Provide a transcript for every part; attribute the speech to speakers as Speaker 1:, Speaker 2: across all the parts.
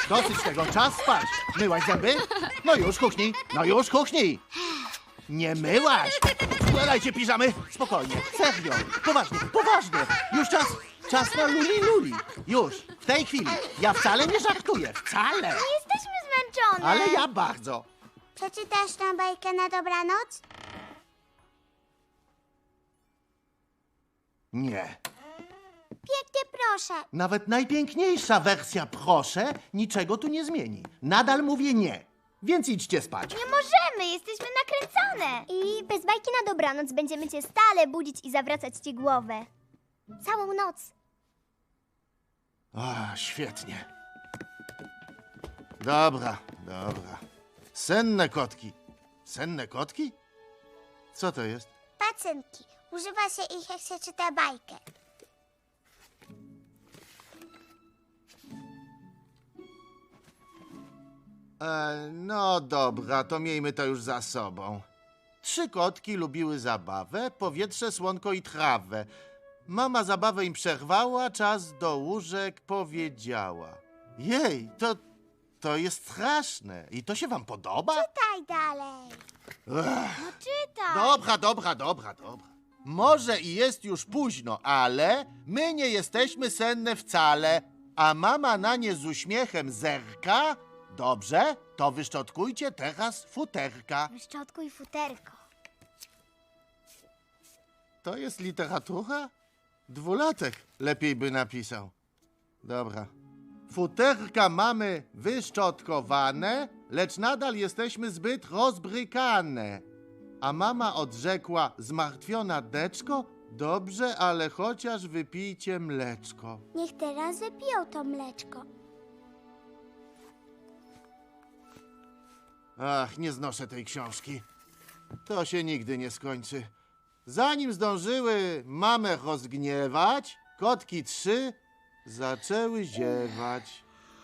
Speaker 1: Dosyć tego, czas spać. Myłaś zęby? No już, kuchnij. No już, kuchnij. Nie myłaś. Składajcie piżamy. Spokojnie, serio. Poważnie, poważnie. Już czas. Czas na luli. Już, w tej chwili. Ja wcale nie żartuję. Wcale.
Speaker 2: Jesteśmy zmęczone.
Speaker 1: Ale ja bardzo.
Speaker 2: Przeczytasz nam bajkę na dobranoc?
Speaker 1: Nie.
Speaker 2: Pięknie proszę.
Speaker 1: Nawet najpiękniejsza wersja proszę niczego tu nie zmieni. Nadal mówię nie. Więc idźcie spać.
Speaker 2: Nie możemy, jesteśmy nakręcone. I bez bajki na dobranoc będziemy cię stale budzić i zawracać ci głowę. Całą noc.
Speaker 1: Świetnie. Dobra. Senne kotki. Senne kotki? Co to jest?
Speaker 2: Pacynki. Używa się ich, jak się czyta bajkę.
Speaker 1: No dobra, to miejmy to już za sobą. 3 kotki lubiły zabawę, powietrze, słonko i trawę. Mama zabawę im przerwała, czas do łóżek powiedziała. Jej, to jest straszne. I to się wam podoba?
Speaker 2: Czytaj dalej. No czytaj.
Speaker 1: Dobra. Może i jest już późno, ale my nie jesteśmy senne wcale, a mama na nie z uśmiechem zerka. Dobrze, to wyszczotkujcie teraz futerka.
Speaker 2: Wyszczotkuj futerko.
Speaker 1: To jest literatura? 2-latek lepiej by napisał. Dobra. Futerka mamy wyszczotkowane, lecz nadal jesteśmy zbyt rozbrykane. A mama odrzekła zmartwiona deczko, dobrze, ale chociaż wypijcie mleczko.
Speaker 2: Niech teraz wypiją to mleczko.
Speaker 1: Ach, nie znoszę tej książki. To się nigdy nie skończy. Zanim zdążyły mamę rozgniewać, kotki 3 zaczęły ziewać.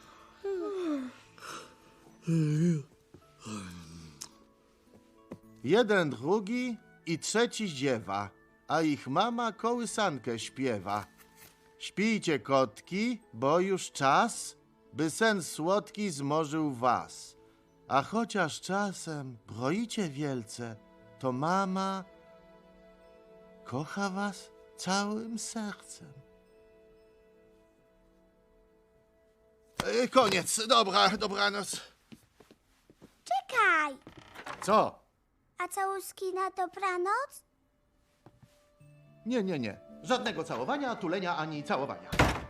Speaker 1: Jeden, drugi i trzeci ziewa, a ich mama kołysankę śpiewa. Śpijcie, kotki, bo już czas, by sen słodki zmorzył was. A chociaż czasem broicie wielce, to mama kocha was całym sercem. Koniec, dobranoc.
Speaker 2: Czekaj.
Speaker 1: Co?
Speaker 2: A całuski na dobranoc?
Speaker 1: Nie. Żadnego całowania, tulenia ani całowania.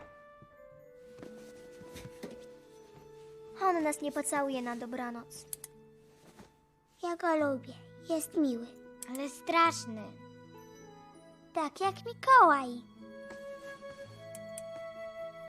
Speaker 2: On nas nie pocałuje na dobranoc. Ja go lubię. Jest miły. Ale straszny. Tak jak Mikołaj.